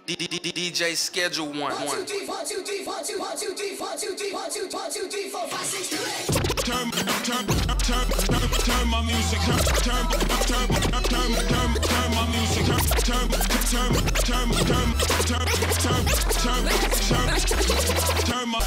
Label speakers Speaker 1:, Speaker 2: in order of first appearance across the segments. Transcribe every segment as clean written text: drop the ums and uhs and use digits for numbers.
Speaker 1: DJ schedule one.
Speaker 2: Turn my music. Turn my music. Turn my.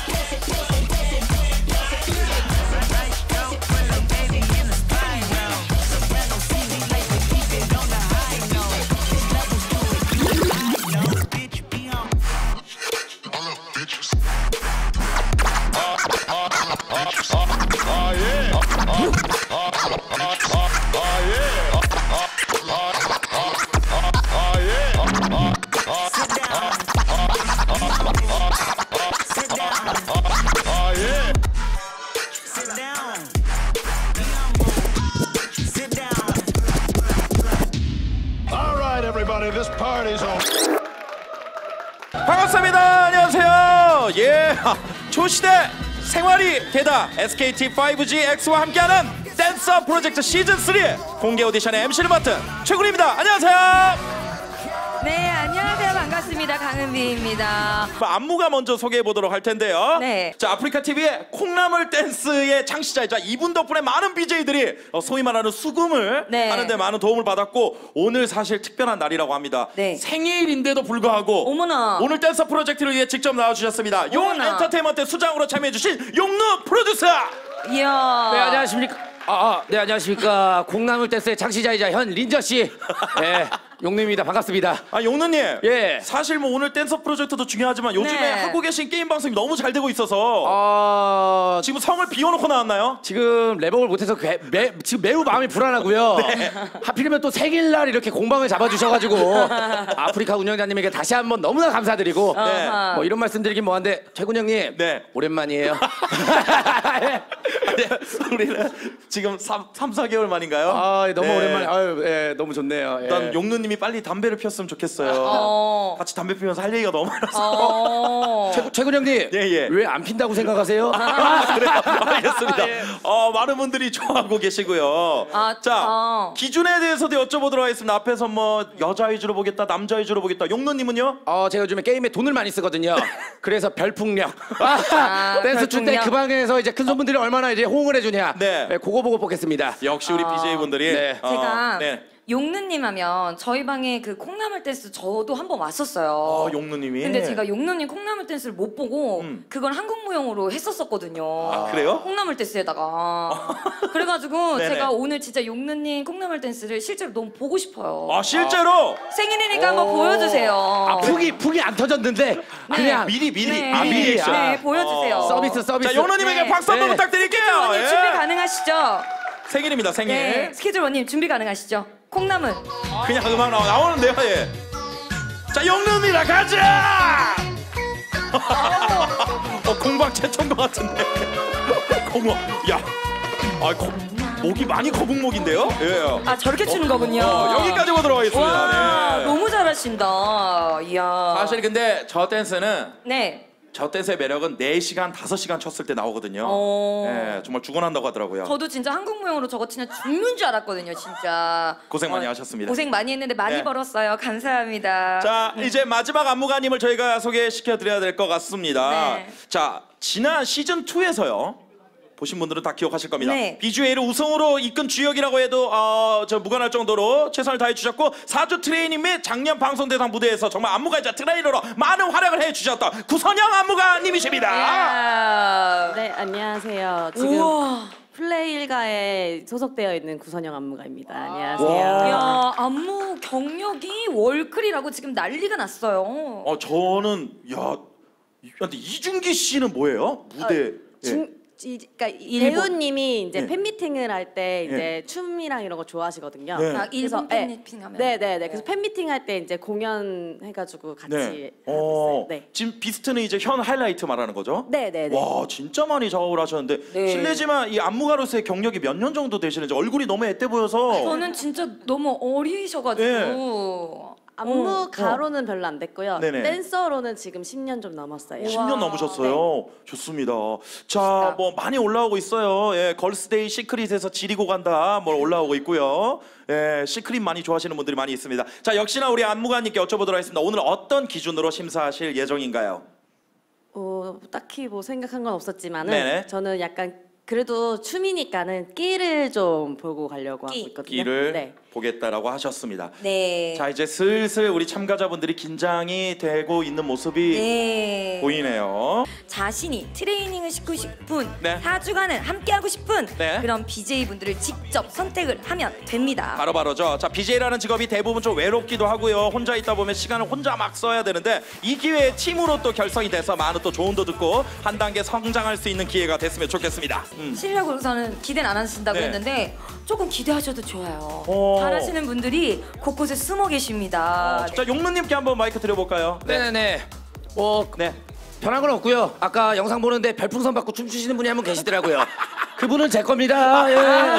Speaker 3: 반갑습니다. 안녕하세요. 예, 초시대 생활이 되다 SKT 5G X와 함께하는 댄서 프로젝트 시즌 3 공개 오디션의 MC를 맡은 최군입니다. 안녕하세요.
Speaker 4: 네, 안녕하세요. 반갑습니다. 강은비입니다.
Speaker 3: 안무가 먼저 소개해 보도록 할 텐데요.
Speaker 4: 네.
Speaker 3: 자, 아프리카 TV의 콩나물 댄스의 창시자이자 이분 덕분에 많은 BJ들이 소위 말하는 수금을
Speaker 4: 네.
Speaker 3: 하는데 많은 도움을 받았고 오늘 사실 특별한 날이라고 합니다.
Speaker 4: 네.
Speaker 3: 생일인데도 불구하고
Speaker 4: 어머나.
Speaker 3: 오늘 댄서 프로젝트를 위해 직접 나와주셨습니다. 용
Speaker 4: 어머나.
Speaker 3: 엔터테인먼트 수장으로 참여해주신 용루 프로듀서.
Speaker 4: 이야.
Speaker 5: 네, 안녕하십니까. 네, 안녕하십니까. 콩나물 댄스의 창시자이자 현 린저 씨. 네, 용루입니다. 반갑습니다.
Speaker 3: 아, 용루님.
Speaker 5: 예.
Speaker 3: 사실 뭐 오늘 댄서 프로젝트도 중요하지만 요즘에
Speaker 4: 네.
Speaker 3: 하고 계신 게임 방송이 너무 잘 되고 있어서 지금 성을 비워놓고 나왔나요?
Speaker 5: 지금 랩업을 못해서 지금 매우 마음이 불안하고요.
Speaker 3: 네.
Speaker 5: 하필이면 또 생일날 이렇게 공방을 잡아주셔가지고 아프리카 운영자님에게 다시 한번 너무나 감사드리고
Speaker 3: 네.
Speaker 5: 뭐 이런 말씀드리긴 뭐한데 최군 형님
Speaker 3: 네.
Speaker 5: 오랜만이에요.
Speaker 3: 네, 우리는 지금 4개월 만인가요?
Speaker 5: 아, 너무
Speaker 3: 네.
Speaker 5: 오랜만에. 아유, 예, 너무 좋네요. 예.
Speaker 3: 일단 용루님이 빨리 담배를 피웠으면 좋겠어요. 같이 담배 피면서 할 얘기가 너무 많아서.
Speaker 5: 최군 형님,
Speaker 3: 예.
Speaker 5: 왜 안 핀다고 생각하세요?
Speaker 3: 그래요? 알겠습니다. 많은 분들이 좋아하고 계시고요. 자, 기준에 대해서도 여쭤보도록 하겠습니다. 앞에서 뭐 여자 위주로 보겠다, 남자 위주로 보겠다. 용루님은요?
Speaker 5: 제가 요즘에 게임에 돈을 많이 쓰거든요. 그래서 별풍력. 댄스 출 때 그 방에서 이제 큰 손분들이 얼마나 이제 호응을 해주냐.
Speaker 3: 네.
Speaker 5: 그거 보고 뽑겠습니다.
Speaker 3: 역시 우리 BJ분들이.
Speaker 5: 네.
Speaker 4: 제가
Speaker 3: 네.
Speaker 4: 용누님 하면 저희 방에 그 콩나물 댄스 저도 한번 왔었어요.
Speaker 3: 용루님이.
Speaker 4: 근데 제가 용누님 콩나물 댄스를 못 보고 그걸 한국무용으로 했었거든요.
Speaker 3: 아, 그래요?
Speaker 4: 콩나물 댄스에다가. 그래가지고
Speaker 3: 네네.
Speaker 4: 제가 오늘 진짜 용누님 콩나물 댄스를 실제로 너무 보고 싶어요.
Speaker 3: 아, 실제로?
Speaker 4: 생일이니까 한번 보여주세요.
Speaker 5: 북이 안 터졌는데 그냥
Speaker 3: 미리.
Speaker 4: 네.
Speaker 3: 아, 미리 액션.
Speaker 4: 네, 보여주세요.
Speaker 5: 서비스.
Speaker 3: 자, 용루님에게
Speaker 4: 네.
Speaker 3: 박수 한번
Speaker 5: 네.
Speaker 3: 부탁드릴게요.
Speaker 4: 원님
Speaker 3: 예.
Speaker 4: 준비 가능하시죠?
Speaker 3: 생일입니다, 생일.
Speaker 4: 네. 스케줄 원님 준비 가능하시죠? 콩나물.
Speaker 3: 그냥 음악 나오는데요, 예. 자, 용루입니다, 가자! 공방 최초인 것 같은데. 공방, 야. 목이 많이 거북목인데요? 예.
Speaker 4: 아, 저렇게 추는 거군요.
Speaker 3: 여기까지 보도록 하겠습니다.
Speaker 4: 와,
Speaker 3: 네.
Speaker 4: 너무 잘하신다. 이야.
Speaker 3: 사실 근데 저 댄스는
Speaker 4: 네.
Speaker 3: 저 댄스의 매력은 4시간, 5시간 쳤을 때 나오거든요. 예, 정말 죽어난다고 하더라고요.
Speaker 4: 저도 진짜 한국무용으로 저거 치면 죽는 줄 알았거든요, 진짜.
Speaker 3: 고생 많이 하셨습니다.
Speaker 4: 고생 많이 했는데 많이
Speaker 3: 네.
Speaker 4: 벌었어요. 감사합니다.
Speaker 3: 자, 이제 마지막 안무가님을 저희가 소개시켜 드려야 될 것 같습니다.
Speaker 4: 네.
Speaker 3: 자, 지난 시즌 2에서요. 보신 분들은 다 기억하실 겁니다.
Speaker 4: 네.
Speaker 3: BGA를 우승으로 이끈 주역이라고 해도 저 무관할 정도로 최선을 다해 주셨고 4주 트레이닝 및 작년 방송 대상 무대에서 정말 안무가이자 트레이너로 많은 활약을 해 주셨던 구선영 안무가님이십니다.
Speaker 4: 이야.
Speaker 6: 네, 안녕하세요. 지금
Speaker 4: 우와.
Speaker 6: 플레이 일가에 소속되어 있는 구선영 안무가입니다.
Speaker 3: 와.
Speaker 6: 안녕하세요.
Speaker 4: 이야, 안무 경력이 월클이라고 지금 난리가 났어요.
Speaker 3: 저는 근데 이준기 씨는 뭐예요? 무대.
Speaker 6: 그러니까
Speaker 4: 일본.
Speaker 6: 배우님이 이제
Speaker 3: 네.
Speaker 6: 팬미팅을 할 때 이제
Speaker 3: 네.
Speaker 6: 춤이랑 이런 거 좋아하시거든요.
Speaker 3: 네.
Speaker 4: 아, 일본
Speaker 6: 그래서,
Speaker 4: 팬미팅 하면.
Speaker 6: 네네네. 그래서 팬미팅 할 때 이제 공연해가지고 같이
Speaker 3: 네.
Speaker 6: 하고 있어요. 네.
Speaker 3: 지금 비스트는 이제 현 하이라이트 말하는 거죠?
Speaker 6: 네네네.
Speaker 3: 와, 진짜 많이 작업을 하셨는데
Speaker 4: 네.
Speaker 3: 실례지만 이 안무가로서의 경력이 몇 년 정도 되시는지 얼굴이 너무 앳돼 보여서
Speaker 4: 저는 진짜 너무 어리셔가지고.
Speaker 6: 안무가로는 별로 안 됐고요.
Speaker 3: 네네.
Speaker 6: 댄서로는 지금 10년 좀 넘었어요.
Speaker 3: 10년 넘으셨어요. 좋습니다. 자, 뭐 많이 올라오고 있어요. 예, 걸스데이 시크릿에서 지리고 간다. 뭐 올라오고 있고요. 예, 시크릿 많이 좋아하시는 분들이 많이 있습니다. 자, 역시나 우리 안무가님께 여쭤보도록 하겠습니다. 오늘 어떤 기준으로 심사하실 예정인가요?
Speaker 6: 딱히 뭐 생각한 건 없었지만은
Speaker 3: 네네.
Speaker 6: 저는 약간 그래도 춤이니까는 끼를 좀 보고 가려고 하고 있거든요.
Speaker 3: 끼를
Speaker 6: 네.
Speaker 3: 보겠다라고 하셨습니다.
Speaker 4: 네.
Speaker 3: 자, 이제 슬슬 우리 참가자분들이 긴장이 되고 있는 모습이
Speaker 4: 네.
Speaker 3: 보이네요.
Speaker 4: 자신이 트레이닝을 시키고 싶은
Speaker 3: 네.
Speaker 4: 4주간을 함께하고 싶은
Speaker 3: 네.
Speaker 4: 그런 BJ분들을 직접 선택을 하면 됩니다.
Speaker 3: 바로바로죠. 자, BJ라는 직업이 대부분 좀 외롭기도 하고요. 혼자 있다 보면 시간을 혼자 막 써야 되는데 이 기회에 팀으로 또 결성이 돼서 많은 또 조언도 듣고 한 단계 성장할 수 있는 기회가 됐으면 좋겠습니다.
Speaker 4: 실력으로서는 기대는 안 하신다고
Speaker 3: 네.
Speaker 4: 했는데 조금 기대하셔도 좋아요.
Speaker 3: 오.
Speaker 4: 잘하시는 분들이 곳곳에 숨어 계십니다.
Speaker 3: 자, 용루님께 한번 마이크 드려볼까요?
Speaker 5: 네네네.
Speaker 3: 네.
Speaker 5: 변한 건 없고요. 아까 영상 보는데 별풍선 받고 춤추시는 분이 한 분 계시더라고요. 그분은 제 겁니다. 예.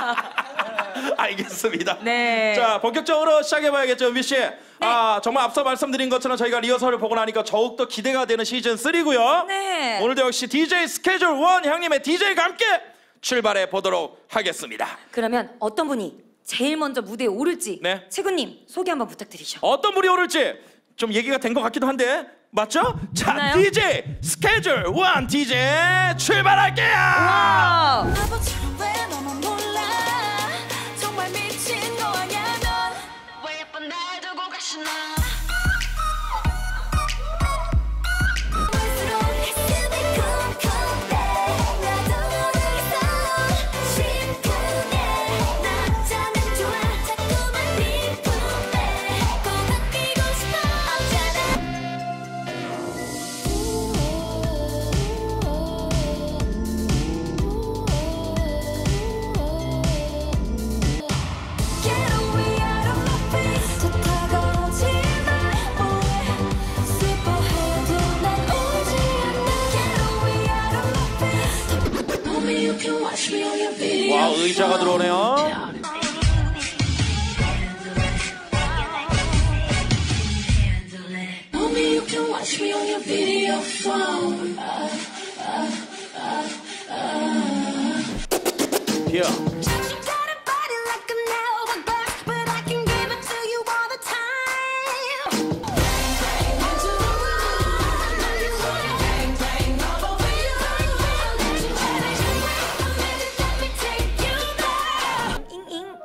Speaker 3: 알겠습니다.
Speaker 4: 네.
Speaker 3: 자, 본격적으로 시작해봐야겠죠, 은비 씨. 아, 정말 앞서 말씀드린 것처럼 저희가 리허설을 보고 나니까 더욱더 기대가 되는 시즌 3고요.
Speaker 4: 네.
Speaker 3: 오늘도 역시 DJ 스케줄 1 형님의 DJ가 함께 출발해 보도록 하겠습니다.
Speaker 4: 그러면 어떤 분이 제일 먼저 무대에 오를지
Speaker 3: 네.
Speaker 4: 최군님 소개 한번 부탁드리죠.
Speaker 3: 어떤 분이 오를지 좀 얘기가 된 것 같기도 한데 맞죠? 자,
Speaker 4: 맞나요?
Speaker 3: DJ 스케줄 1 DJ 출발할게요.
Speaker 4: 와.
Speaker 7: 바보처럼 왜 너만 몰라 정말 미친 거 아냐 넌왜 예쁜 날 두고 가시나 볼수록 가슴이 쿵쿵대 나도 모르겠어 심쿵해 남자는 좋아 자꾸만 네 품에 꼭 안기고 싶어 Get away out of my face 저 다가오지 마 Superhero 난 오지 않아 Get away out of my face Mommy you can watch me on your video
Speaker 3: 와, 의자가 들어오네요.
Speaker 7: Mommy you can watch me on your video phone
Speaker 3: 예.
Speaker 7: You got a body like an hourglass, but I can give it to you all the time. Bang bang into the room, now you wanna bang bang all over you. Let you let me take you there.
Speaker 4: 잉잉.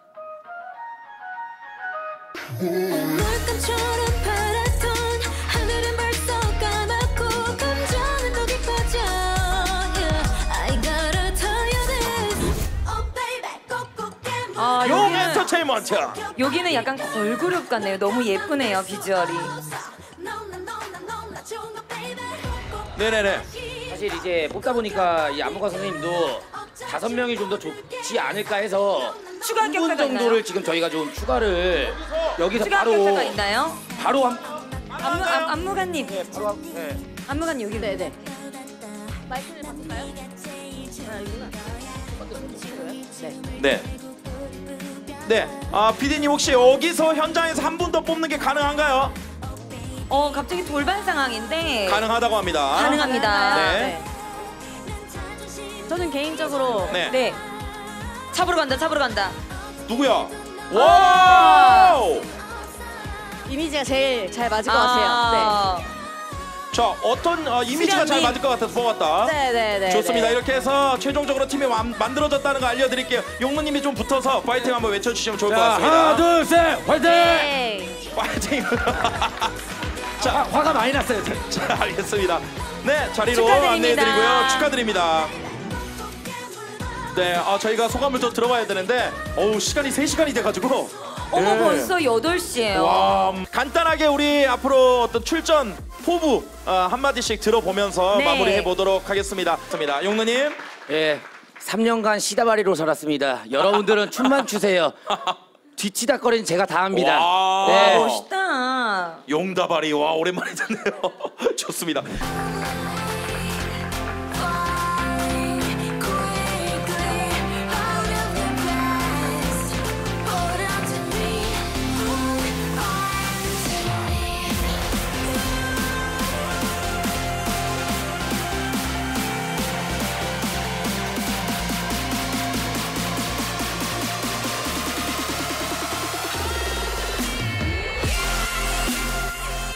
Speaker 7: 물감처럼 파랗던 하늘은 벌써 까맣고 감정은 더 깊어져. Yeah, I gotta tell you this. Oh baby, 꼭꼭 깨물.
Speaker 3: 용 엔터테인먼트.
Speaker 4: 여기는 약간 걸그룹 같네요. 너무 예쁘네요 비주얼이.
Speaker 3: 네네네.
Speaker 5: 사실 이제 뽑다 보니까 이 안무가 선생님도 5명이 좀 더 좋지 않을까 해서
Speaker 4: 추가
Speaker 5: 3분
Speaker 4: 합격자가
Speaker 5: 정도를
Speaker 4: 있나요?
Speaker 5: 지금 저희가 좀 추가를 여기서
Speaker 4: 추가
Speaker 5: 바로
Speaker 4: 합격자가 있나요?
Speaker 5: 바로 한
Speaker 4: 안무가님.
Speaker 5: 바로 한 네.
Speaker 4: 안무가님 여기.
Speaker 6: 네네. 마이크를 바꿀까요?
Speaker 3: 네. 네. 아, PD님 혹시 여기서 현장에서 한 분 더 뽑는 게 가능한가요?
Speaker 4: 갑자기 돌발 상황인데
Speaker 3: 가능하다고 합니다.
Speaker 4: 가능합니다.
Speaker 3: 네.
Speaker 6: 저는 개인적으로
Speaker 3: 네.
Speaker 4: 네. 잡으러 간다. 잡으러 간다.
Speaker 3: 누구야? 와!
Speaker 6: 이미지가 제일 잘 맞을 것 같아요.
Speaker 3: 자, 어떤 이미지가 잘
Speaker 4: 수련님.
Speaker 3: 맞을 것 같아서 뽑았다.
Speaker 6: 네네네.
Speaker 3: 좋습니다. 이렇게 해서 최종적으로 팀이 만들어졌다는 거 알려드릴게요. 용무님이 좀 붙어서 파이팅 한번 외쳐주시면 좋을 것
Speaker 5: 자,
Speaker 3: 같습니다.
Speaker 5: 하나 둘 셋 화이팅!
Speaker 6: 네.
Speaker 3: 파이팅!
Speaker 5: 자, 화가 많이 났어요.
Speaker 3: 자, 알겠습니다. 네, 자리로
Speaker 4: 축하드립니다.
Speaker 3: 안내해드리고요. 축하드립니다. 네, 저희가 소감을 또 들어봐야 되는데 시간이 3시간이 돼가지고
Speaker 4: 어머
Speaker 3: 예.
Speaker 4: 벌써 8시예요.
Speaker 3: 와, 간단하게 우리 앞으로 어떤 출전 포부 한마디씩 들어보면서
Speaker 4: 네.
Speaker 3: 마무리해 보도록 하겠습니다. 용누님.
Speaker 5: 예, 3년간 시다바리로 살았습니다. 여러분들은 춤만 추세요. 뒤치다거리는 제가 다 합니다.
Speaker 3: 와.
Speaker 5: 네.
Speaker 4: 멋있다.
Speaker 3: 용다발이 와 오랜만에 듣네요. 좋습니다.